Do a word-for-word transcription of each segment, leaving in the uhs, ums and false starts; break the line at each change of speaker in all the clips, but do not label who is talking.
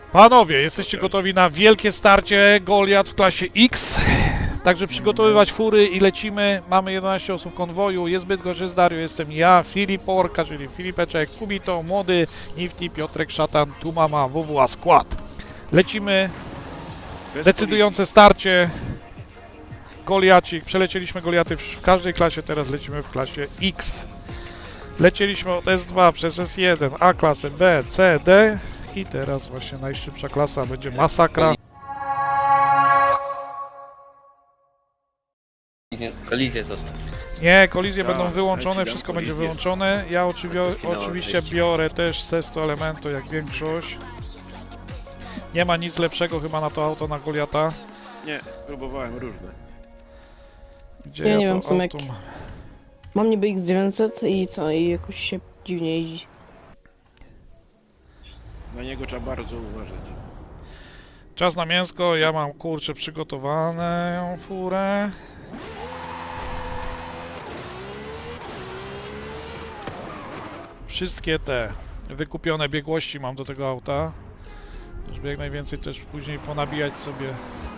Panowie, jesteście gotowi na wielkie starcie Goliat w klasie X? Także przygotowywać fury i lecimy. Mamy jedenaście osób w konwoju. Jest Bydgoszcz, jest Dario, jestem ja, Filip Orka, czyli Filipeczek, Kubito, Młody, Nifty, Piotrek, Szatan, tu mama, W W A skład. Lecimy. Decydujące starcie. Goliacik. Przelecieliśmy Goliaty w każdej klasie, teraz lecimy w klasie X. Lecieliśmy od S dwa przez S jeden, A klasę, B, C, D i teraz właśnie najszybsza klasa będzie masakra.
Kolizję zostaw.
Nie, kolizje
Tak,
będą wyłączone,
ja ci dam
wszystko będzie
kolizję.
wyłączone. Ja oczywi-
Takie finałowe
oczywiście
przejście.
biorę też Sesto Elemento jak większość. Nie ma nic lepszego chyba na to auto na Goliata.
Nie, próbowałem różne.
Gdzie
Ja
ja,
nie
to
wiem, w sumie
auto
jak-
mam?
Mam niby X dziewięćset i co, i jakoś się dziwnie jeździ.
Na niego trzeba bardzo uważać.
Czas na mięsko, ja mam kurczę przygotowaną furę. Wszystkie te wykupione biegłości mam do tego auta. Żeby jak najwięcej też później ponabijać sobie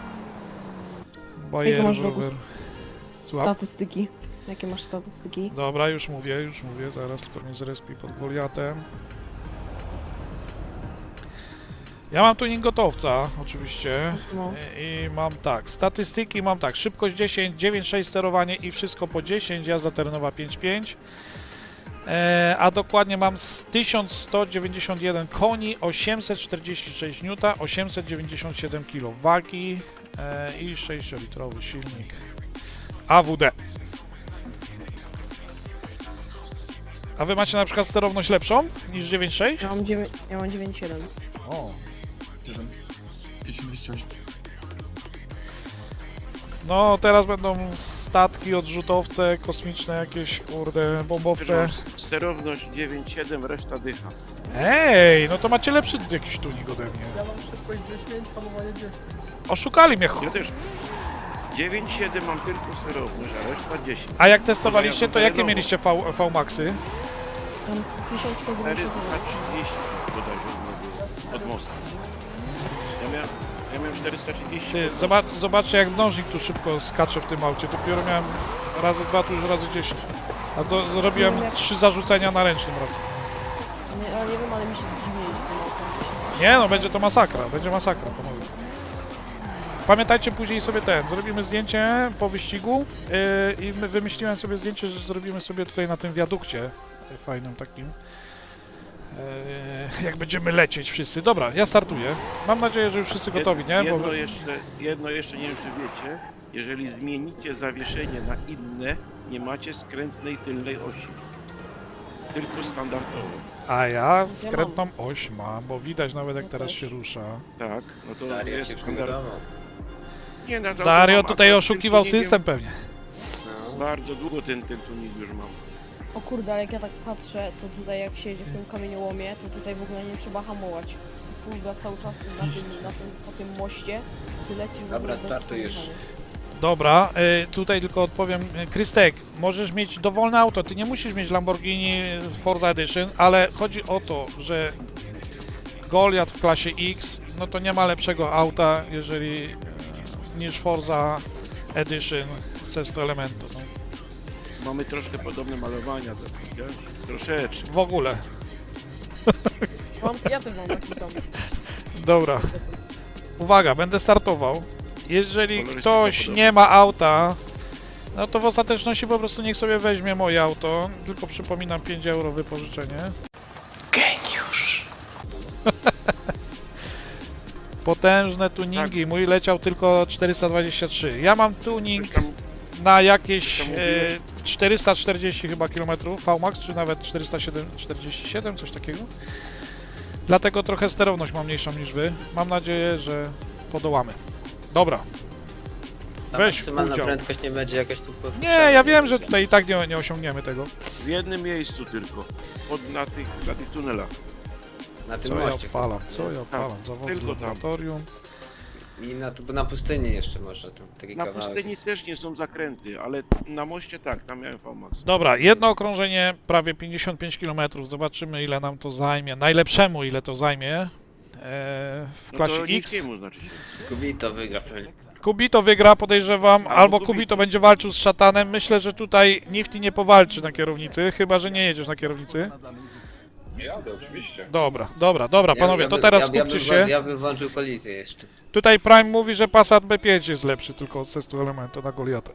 bajer,
masz
rower.
rower?
Słucham?
Statystyki. Jakie masz statystyki?
Dobra, już mówię, już mówię, zaraz tylko mnie zrespi pod Goliatem. Ja mam tuning gotowca, oczywiście.
No.
I, I mam tak, statystyki mam tak, szybkość dziesięć, dziewięć sześć sterowanie i wszystko po dziesięć, jazda terenowa pięć pięć. E, a dokładnie mam z tysiąc sto dziewięćdziesiąt jeden koni, osiemset czterdzieści sześć niuta, osiemset dziewięćdziesiąt siedem kilo wagi e, i sześciolitrowy silnik A W D. A wy macie na przykład sterowność lepszą niż dziewięć sześć?
Ja mam dziewięć, ja mam dziewięć siedem.
O.
tysiąc dwieście osiem.
No, teraz będą statki, odrzutowce, kosmiczne jakieś, kurde, bombowce.
Sterowność dziewięć siedem, reszta dycha.
Ej, no to macie lepszy jakiś tunik ode mnie.
Ja mam szybkość dziesięć, hamowanie dziesięć.
Oszukali mnie, ch...
Ja też. dziewięć siedem mam tylko sterowność, a reszta dziesięć.
A jak testowaliście, to jakie mieliście V, V-Maxy?
Mam tysiąc sto
czterysta
dziewięćdziesiąt
trzydzieści bodajże od od mostu. Ja miałem, ja miałem czterysta trzydzieści.
Ty, zobacz, zobaczcie jak mnożnik tu szybko skacze w tym aucie. Dopiero miałem razy dwa, tu już razy dziesięć. A to zrobiłem trzy zarzucenia na ręcznym roku.
Nie, ale nie wiem, ale mi się dziwnie jeździ tym autem.
Nie no, będzie to masakra, będzie masakra, panowie. Pamiętajcie później sobie ten, zrobimy zdjęcie po wyścigu yy, i my wymyśliłem sobie zdjęcie, że zrobimy sobie tutaj na tym wiadukcie yy, fajnym takim. Yy, jak będziemy lecieć wszyscy. Dobra, ja startuję. Mam nadzieję, że już wszyscy gotowi, nie?
Jedno,
Bo...
jeszcze, jedno jeszcze, nie wiem czy wiecie, jeżeli zmienicie zawieszenie na inne, nie macie skrętnej tylnej osi. Tylko standardową.
A ja skrętną oś mam, bo widać nawet jak teraz się rusza.
Tak, no to
Daria
jest
się
standard.
przygotował.
Nie, no to
Dario
mam,
tutaj
a tym
oszukiwał
tuningiem
system pewnie.
No.
Bardzo długo ten, ten tuning już mam.
O kurde, ale jak ja tak patrzę, to tutaj jak się jedzie w tym kamieniołomie, to tutaj w ogóle nie trzeba hamować. Full gas cały czas na tym, na tym, po tym moście. Ty lecisz w
Dobra,
ogóle bez
startujesz.
hamowania.
Dobra, y, tutaj tylko odpowiem. Y, Krystek, możesz mieć dowolne auto, ty nie musisz mieć Lamborghini Forza Edition, ale chodzi o to, że Goliat w klasie X, no to nie ma lepszego auta, jeżeli y, niż Forza Edition Sesto Elemento. No.
Mamy troszkę podobne malowania, tak, wiesz? Troszeczkę.
W ogóle.
Mam, ja też mam taki sam.
Dobra. Uwaga, będę startował. Jeżeli
Kolorystyka
ktoś
podobna.
nie ma auta, no to w ostateczności po prostu niech sobie weźmie moje auto. Tylko przypominam pięć euro wypożyczenie. Geniusz! Potężne tuningi. Mój leciał tylko czterysta dwadzieścia trzy. Ja mam tuning
Coś tam,
na jakieś
coś tam
e,
mówiłeś?
czterysta czterdzieści chyba kilometrów V-Max, czy nawet czterysta czterdzieści siedem, coś takiego. Dlatego trochę sterowność mam mniejszą niż wy. Mam nadzieję, że podołamy. Dobra.
Ta
Weź
maksymalna
udział.
prędkość nie będzie jakaś tu...
Nie, ja wiem, że tutaj i tak nie, nie osiągniemy tego.
w jednym miejscu tylko. Pod, na, tych, na tych tunelach.
Na tym
Co ja
moście.
odpalam, co ja odpalam? Zawody
tylko tam.
laboratorium.
I na, tu- na pustyni jeszcze może tam taki
Na
kawałek
pustyni
jest.
też nie są zakręty, ale na moście tak, tam miałem V MAX.
Dobra, jedno okrążenie prawie pięćdziesiąt pięć kilometrów. Zobaczymy ile nam to zajmie. Najlepszemu ile to zajmie. w
No
klasie
to
X.
niskiemu znaczy się.
Kubito wygra pewnie.
Kubito wygra, podejrzewam,
Albo
albo
Kubito.
Kubito będzie walczył z Szatanem. Myślę, że tutaj Nifty nie powalczy na kierownicy, chyba że nie jedziesz na kierownicy.
Jadę, oczywiście.
Dobra, dobra, dobra, panowie,
Ja-
to
ja
teraz
bym- ja,
skupcie
ja bym,
się.
Ja bym włączył kolizję jeszcze.
Tutaj Prime mówi, że Passat B pięć jest lepszy tylko od testu elementu na Goliata.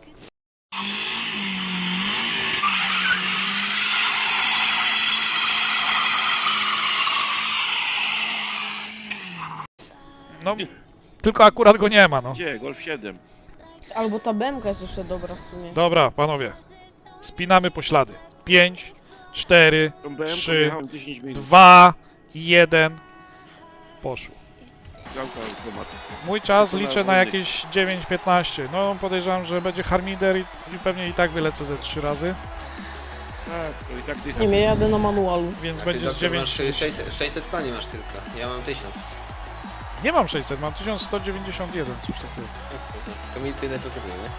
No, tylko akurat go nie ma, no.
Gdzie? Golf siedem.
Albo ta B M K jest jeszcze dobra w sumie.
Dobra, panowie. Spinamy poślady. pięć, cztery,
Tą B M
Trzy,
jechałem dziesięć minut.
dwa, jeden. Poszło.
Gałka automatu.
Mój czas
To na
liczę na
ogólny.
jakieś dziewięć piętnaście. No podejrzewam, że będzie Harmider i, i pewnie i tak wylecę ze trzy razy,
Tak, to i tak dycha.
Nie wiem, ja jadę na manualu.
więc
A ty,
będzie z
doktor,
dziewięć.
masz sześćset, sześćset koni masz tylko. Ja mam tysiąc.
Nie mam sześćset, mam tysiąc sto dziewięćdziesiąt jeden, coś takiego.
To mi tyle potrzebuje, nie?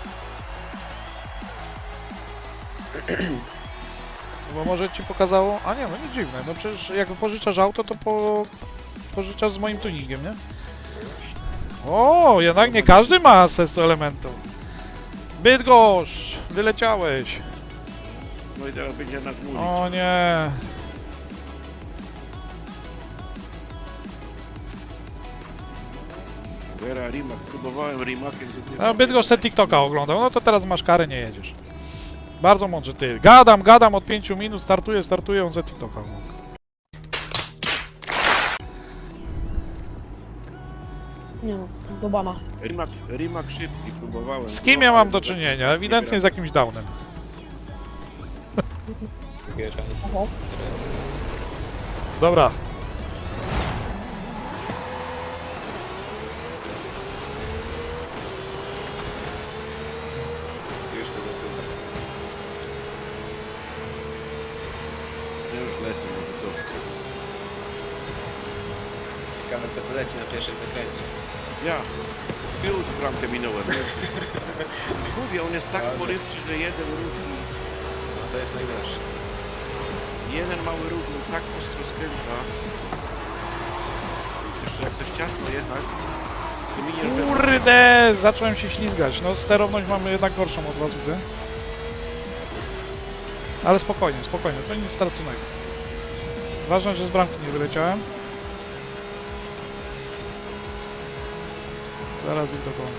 Bo może ci pokazało... A nie, no nie dziwne, no przecież jak pożyczasz auto, to po... pożyczasz z moim tuningiem, nie? O, jednak nie każdy ma asystę elementu. Bydgoszcz, wyleciałeś.
No i teraz będzie nas mówić.
O nie.
Vera, Rimac. Próbowałem Rimakiem. to nie-
No, Bydgoszcz se TikToka oglądał, no to teraz masz karę, nie jedziesz. Bardzo mądrze ty. Gadam, gadam od pięciu minut, startuję, startuję, on ze TikToka ogląda.
Nie no, do bana.
Rimac, Rimac szybki, próbowałem.
Z kim ja mam do czynienia? Ewidentnie z jakimś downem.
Oho.
Dobra.
Już to zasuwa.
Ja już lecę, może to.
Ciekawe kto poleci na pierwszym zakręcie.
Ja. Tył z bramkę minąłem. Mówię, on jest tak porywczy, że jeden ruch,
No to jest najgorsze.
jeden mały ruch, on tak ostro skręca. Jeszcze jak chcesz ciasno jechać, to miniesz bez...
Kurde, zacząłem się ślizgać. No sterowność mamy jednak gorszą od was, widzę. Ale spokojnie, spokojnie, to nic straconego. Ważne, że z bramki nie wyleciałem. Zaraz ich dogonię.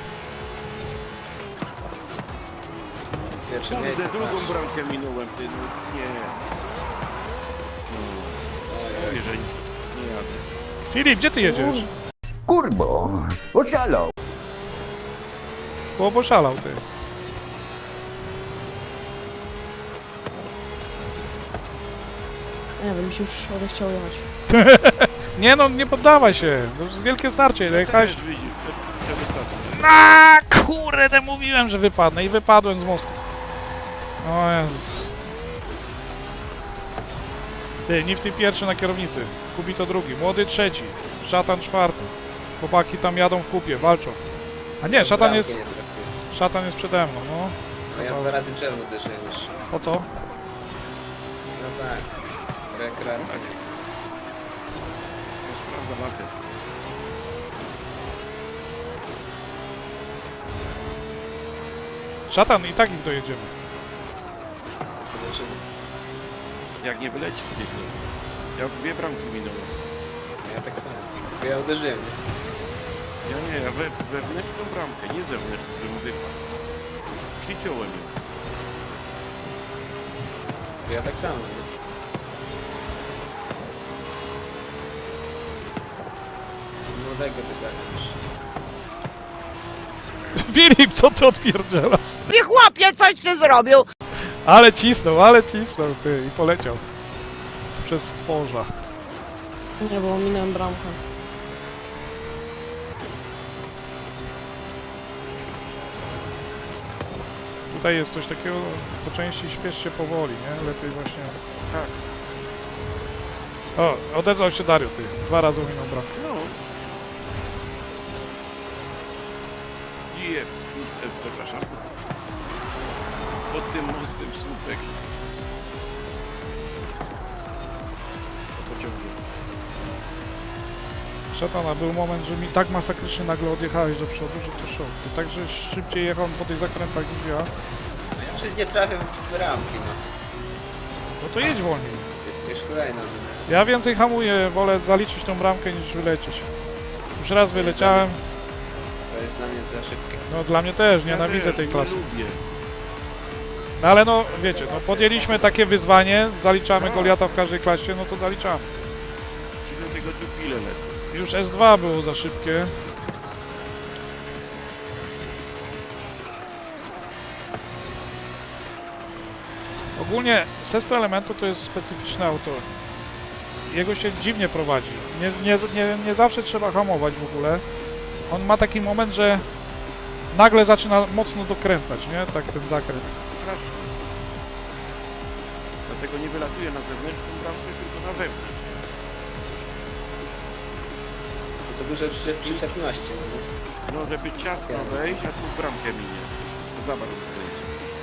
Pierwsze
Kurde,
miejsce
drugą
masz.
bramkę minąłem, ty, no nie. No,
Oj,
mówię, że nie, nie jadę.
Filip, gdzie ty jedziesz?
Kurbo, oszalał.
Bo poszalał ty.
Nie wiem, mi się już odechciało jechać.
Nie no, nie poddawaj się. To jest wielkie starcie, ile jechałeś.
Też widzisz, przed, przed ostatnim.
Na kurde, mówiłem, że wypadnę i wypadłem z mostu. O Jezus. Ty, Nifty pierwszy na kierownicy, Kubito drugi, Młody trzeci, Szatan czwarty. Chłopaki tam jadą w kupie, walczą. A nie, Szatan
bramkę
jest,
nie trafiłem.
Szatan jest przede mną, no.
No ja dwa razy przerwę uderzyłem już.
Po co?
No tak. Rekreacja.
Ja sprawdzam mapę.
Szatan i tak ich dojedziemy.
Zobaczymy.
Jak nie wyleci gdzieś. no. Ja dwie bramki minąłem.
Ja tak samo. Tylko ja uderzyłem. nie?
Ja nie, ja we, wewnętrzną bramkę, nie zewnętrzną, żebym wypadł. Przyciąłem ją.
To ja tak samo. Nie? Młodego wygrałem.
Filip, co ty odpierdzielasz?
Ty chłopie, coś ty zrobił!
Ale cisnął, ale cisnął, ty, i poleciał. Przez stworza.
Nie, bo minąłem bramkę.
Tutaj jest coś takiego, po części śpiesz się powoli, nie? Lepiej właśnie...
Tak.
O, odezwał się Dario, ty. Dwa razy minął bramkę.
No. Je, przepraszam. Pod tym mostem słupek. To pociągnie.
Szatana, był moment, że mi tak masakrycznie nagle odjechałeś do przodu, że to szok. To tak, że szybciej jechałem po tych zakrętach niż ja.
No ja czy nie trafię w ramki, no.
No to jedź wolniej.
Już kolejna.
Ja więcej hamuję, wolę zaliczyć tą bramkę niż wylecieć. Już raz wyleciałem,
To jest dla mnie za szybkie.
no dla mnie też,
Ja
nienawidzę
też
tej
nie
klasy.
lubię.
No ale no, wiecie, no podjęliśmy takie wyzwanie, zaliczamy Goliata w każdej klasie, no to zaliczamy.
Ci do tego dupile lecą.
Już S dwa było za szybkie. Ogólnie Sesto Elementu to jest specyficzne auto. Jego się dziwnie prowadzi. Nie, nie, nie, nie zawsze trzeba hamować w ogóle. On ma taki moment, że nagle zaczyna mocno dokręcać, nie? Tak ten zakręt.
Strasznie. Dlatego nie wylatuje na zewnętrzną bramkę, tylko na wewnątrz.
To za duże przy, przyczepności. No.
No, żeby ciasno wejść, a tu w bramkę minie. To za bardzo skręci.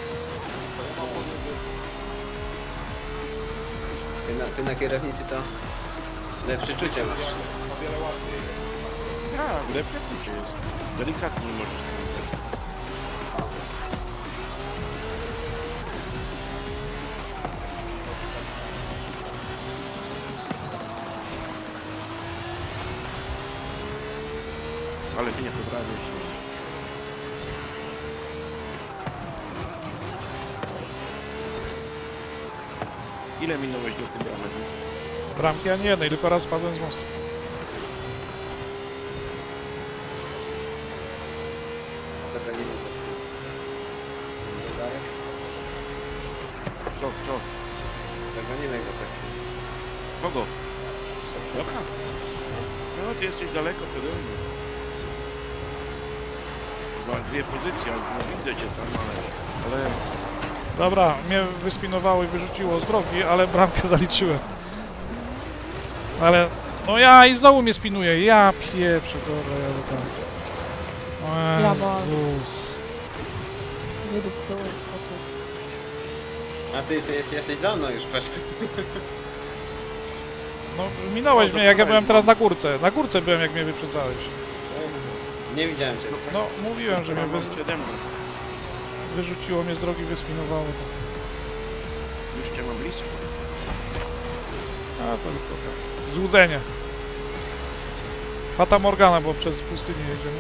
Ty na, ty na kierownicy to lepsze czucie masz.
O wiele łatwiej.
Tak, lepsze czucie jest. Delikatnie możesz skręcać. Ale mnie to prawie się. Ile minąłeś do tej bramy?
Bramki ani jednej, tylko raz spadłem z mostu.
Zagalimy za Darek.
Co, co?
Zagonimy go za chwilę.
Kogo? Dobra. No, ty jesteś daleko przede mną. Chyba dwie pozycje, ale no, widzę cię tam, ale... ale...
Dobra, mnie wyspinowało i wyrzuciło z drogi, ale bramkę zaliczyłem. Ale, no ja i znowu mnie spinuje, ja pieprzę, dobra, jadę tam.
Ja
O
bardzo.
Jezus.
Wydupcyłem w kosmos.
A ty jesteś, jesteś za mną już, patrz.
No minąłeś
No,
mnie, jak ja
to
byłem
fajnie.
teraz na górce. Na górce byłem, jak mnie wyprzedzałeś.
Nie widziałem cię.
No, mówiłem, że mnie wy,
Mam przede mną.
wyrzuciło mnie z drogi, wyspinowało.
Już cię mam blisko.
A to tylko tak. Złudzenie. Fata Morgana, bo przez pustynię jedziemy.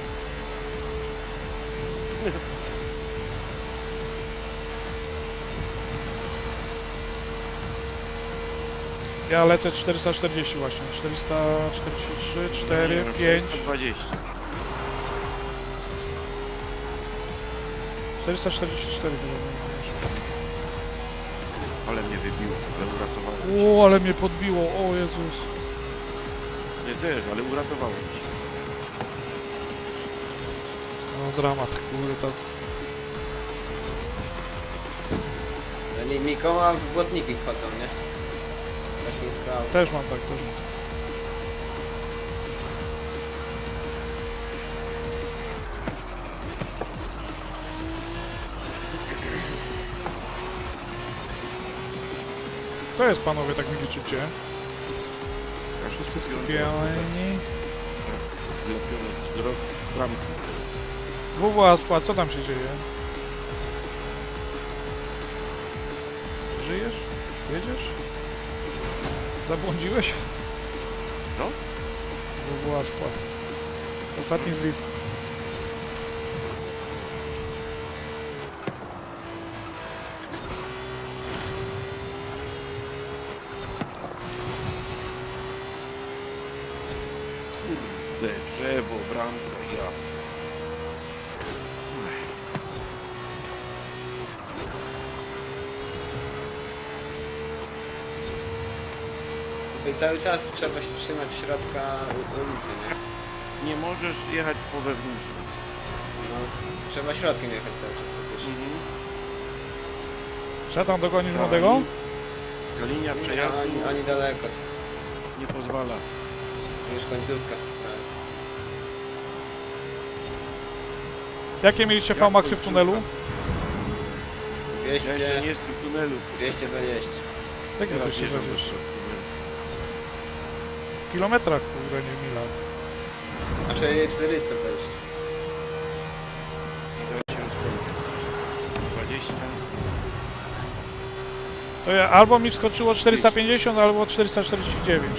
Ja lecę czterysta czterdzieści właśnie. czterysta czterdzieści trzy, cztery, pięć,
dwadzieścia.
czterysta czterdzieści cztery chyba.
Ale mnie wybiło, ale uratowałem.
O, ale mnie podbiło, o Jezus.
Nie też, ale uratowałem cię.
No dramat, kurde, to...
No nie, Mikoła w błotniki wchodzą, nie? Tak nisko auto.
Też mam tak, też mam. Co jest, panowie, tak mi liczycie? Wszyscy skupieni.
Wlepiony z drog, bramki.
W W A skład, co tam się dzieje? Żyjesz? Jedziesz? Zabłądziłeś?
No.
W W A skład. Ostatni z listy.
Kurde, drzewo, bramka, ja.
I cały czas trzeba się trzymać środka u- ulicy, nie?
Nie możesz jechać po wewnętrznym.
No, trzeba środkiem jechać cały czas. Mhm.
Mhm.
Szatan, dogonisz
Ta
młodego?
li- Ta linia przejazdu
Oni, oni daleko są.
nie pozwala.
Już końcówka. Tak.
Jakie mieliście
Jak
V-maxy w
końcówka?
tunelu?
Ja jeszcze
dwieście,
nie jestem w tunelu.
dwieście dwadzieścia.
Jakie to
Teraz
się
jeżdżam
będziesz?
jeszcze w tunelu.
kilometrach, kurde, nie w milach.
Znaczy czterysta wejść.
dwadzieścia.
To ja, albo mi wskoczyło czterysta pięćdziesiąt, albo czterysta czterdzieści dziewięć.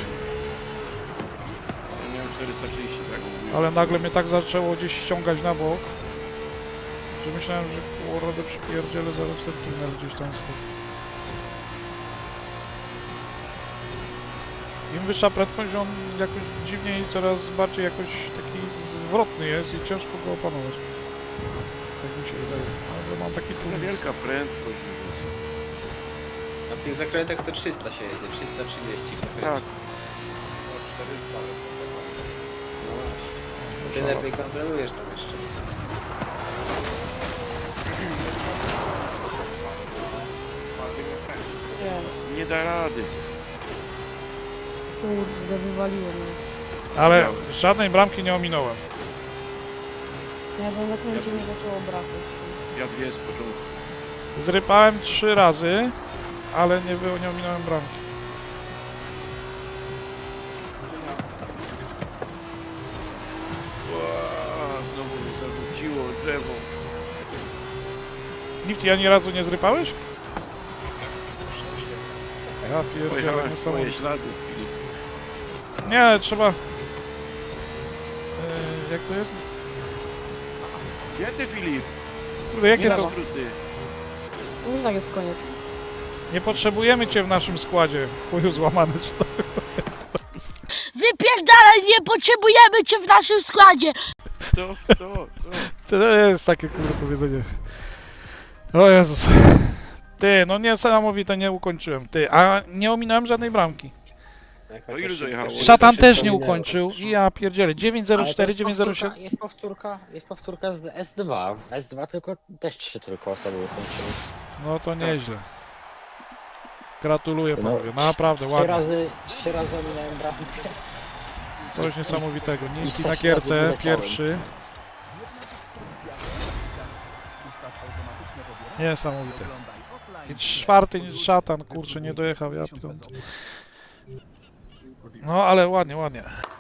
Ja miałem czterysta trzydzieści, tak mówię.
Ale nagle mnie tak zaczęło gdzieś ściągać na bok, że myślałem, że kurde przypierdzielę zaraz ten tunel gdzieś tam schodzi. Im wyższa prędkość, on jakoś dziwnie i coraz bardziej jakoś taki zwrotny jest i ciężko go opanować. Tak mi się wydaje. Ale mam taki
To
tunel.
wielka prędkość.
Na tych zakrętach to trzysta się jedzie, trzysta trzydzieści w zakręcie.
Tak.
No czterysta, ale to tego.
No właśnie. Ty lepiej kontrolujesz tam jeszcze.
Nie,
Nie da rady.
kurde, wywaliło mnie.
Ale żadnej bramki nie ominąłem.
Ja bym zakręcie mi zaczęło brakać.
Ja dwie z początku.
Zrypałem trzy razy, ale nie, było, nie ominąłem bramki.
Ła, znowu mi zarzuciło drzewo.
Nifty, ani razu nie zrypałeś? Ja pierdzielę,
Pojechałem w twoje
niesamowite.
ślady, Filip.
Nie, trzeba... Yy, jak to jest?
Gdzie ty, Filip?
Kurde, jakie
Nie na
to...
skróty.
No i tak jest koniec.
Nie potrzebujemy cię w naszym składzie. Chuju złamany czy to?
Wypierdalaj, nie potrzebujemy cię w naszym składzie!
Co? Co? Co?
To jest takie kurde powiedzenie. O Jezus. Ty, no niesamowite, nie ukończyłem. Ty, a nie ominąłem żadnej bramki.
Jak
To
chociaż
ile
szybko-
dojechało?
szybko
Szatan
się
też nie
wspominało.
ukończył i ja pierdzielę. dziewięć zero cztery, dziewięć zero siedem.
Jest powtórka, jest powtórka z S dwa. S dwa tylko też trzy tylko osoby ukończyły.
No to nieźle. Gratuluję
No,
panowie, naprawdę
Trzy
ładnie.
razy, trzy razy ominąłem bramkę.
Coś niesamowitego. Nifty
I
na
też
gierce,
wyleciałem.
pierwszy. Niesamowite. I czwarty szatan, kurczę, nie dojechał, ja piąty. No ale ładnie, ładnie.